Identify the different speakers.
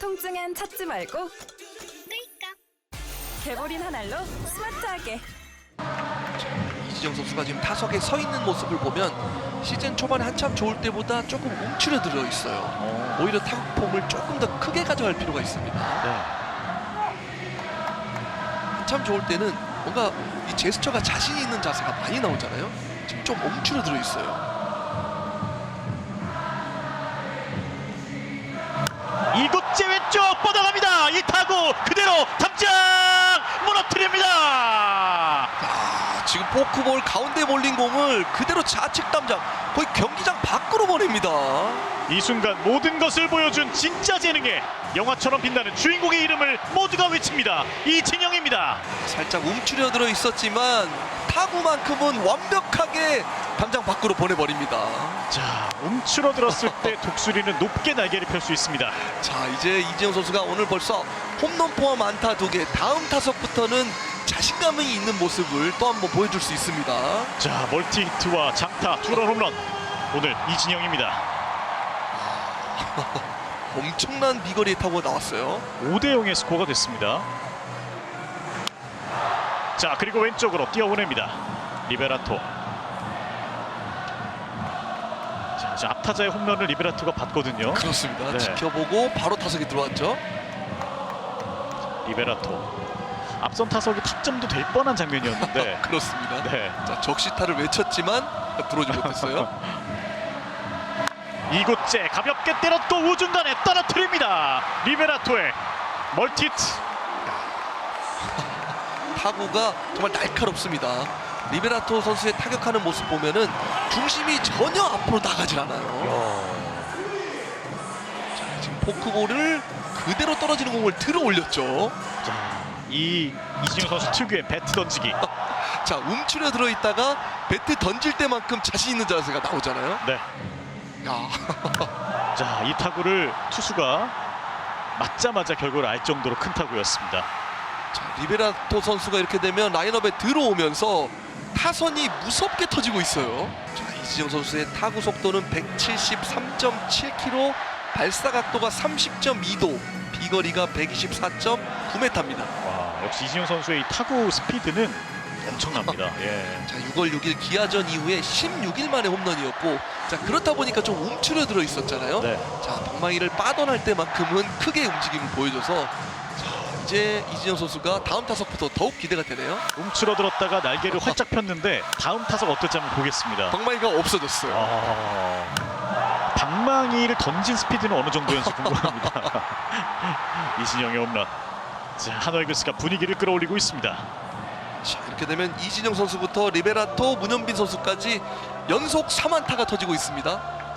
Speaker 1: 통증엔 찾지 말고 끌까? 개보린 한 알로 스마트하게.
Speaker 2: 이진영 선수가 지금 타석에 서 있는 모습을 보면 시즌 초반에 한참 좋을 때보다 조금 움츠러들어 있어요. 오히려 타격 폼을 조금 더 크게 가져갈 필요가 있습니다. 한참 좋을 때는 뭔가 이 제스처가 자신 있는 자세가 많이 나오잖아요. 지금 좀 움츠러들어 있어요.
Speaker 3: 이곳째 왼쪽 뻗어갑니다. 이 타구 그대로 담장 무너뜨립니다.
Speaker 2: 지금 포크볼 가운데 몰린 공을 그대로 좌측 담장 거의 경기장 밖으로 보냅니다.
Speaker 3: 이 순간 모든 것을 보여준 진짜 재능에 영화처럼 빛나는 주인공의 이름을 모두가 외칩니다. 이진영입니다.
Speaker 2: 살짝 움츠려들어 있었지만 타구만큼은 완벽하게 담장 밖으로 보내버립니다.
Speaker 3: 자, 움츠러들었을 때 독수리는 높게 날개를 펼 수 있습니다.
Speaker 2: 자, 이제 이진영 선수가 오늘 벌써 홈런 포함 안타 2개, 다음 타석부터는 자신감이 있는 모습을 또 한번 보여줄 수 있습니다.
Speaker 3: 자, 멀티 히트와 장타, 투런 홈런 오늘 이진영입니다.
Speaker 2: 엄청난 비거리의 타구가 나왔어요.
Speaker 3: 5대0의 스코어가 됐습니다. 자, 그리고 왼쪽으로 뛰어보냅니다. 리베라토. 자, 이제 앞타자의 홈런을 리베라토가 받거든요.
Speaker 2: 그렇습니다.
Speaker 3: 네.
Speaker 2: 지켜보고 바로 타석에 들어왔죠.
Speaker 3: 리베라토. 앞선 타석이 타점도 될 뻔한 장면이었는데
Speaker 2: 그렇습니다.
Speaker 3: 네.
Speaker 2: 자, 적시타를 외쳤지만 들어오지 못했어요.
Speaker 3: 이곳째 가볍게 때렸고 우중간에 떨어뜨립니다. 리베라토의 멀티히트.
Speaker 2: 타구가 정말 날카롭습니다. 리베라토 선수의 타격하는 모습 보면은 중심이 전혀 앞으로 나가질 않아요. 자, 지금 포크볼을 그대로 떨어지는 공을 들어 올렸죠.
Speaker 3: 자, 이 이진영 선수 특유의 배트 던지기.
Speaker 2: 자, 움츠려 들어 있다가 배트 던질 때만큼 자신 있는 자세가 나오잖아요.
Speaker 3: 네.
Speaker 2: 야.
Speaker 3: 자, 이 타구를 투수가 맞자마자 결과를 알 정도로 큰 타구였습니다.
Speaker 2: 자, 리베라토 선수가 이렇게 되면 라인업에 들어오면서 타선이 무섭게 터지고 있어요. 자, 이진영 선수의 타구 속도는 173.7km, 발사 각도가 30.2도, 비거리가 124.9m입니다.
Speaker 3: 와, 역시 이진영 선수의 이 타구 스피드는 엄청납니다. 예.
Speaker 2: 자, 6월 6일 기아전 이후에 16일 만에 홈런이었고, 자, 그렇다 보니까 좀 움츠려 들어 있었잖아요.
Speaker 3: 네.
Speaker 2: 자, 방망이를 빠져날 때만큼은 크게 움직임을 보여줘서 자, 이제 이진영 선수가 다음 타석부터 더욱 기대가 되네요.
Speaker 3: 움츠러들었다가 날개를 활짝 폈는데 다음 타석 어떨지 한번 보겠습니다.
Speaker 2: 방망이가 없어졌어요.
Speaker 3: 방망이를 던진 스피드는 어느 정도였는지 궁금합니다. 이진영의 홈런. 자, 하나이글스가 분위기를 끌어올리고 있습니다.
Speaker 2: 자, 이렇게 되면 이진영 선수부터 리베라토, 문현빈 선수까지 연속 3안타가 터지고 있습니다.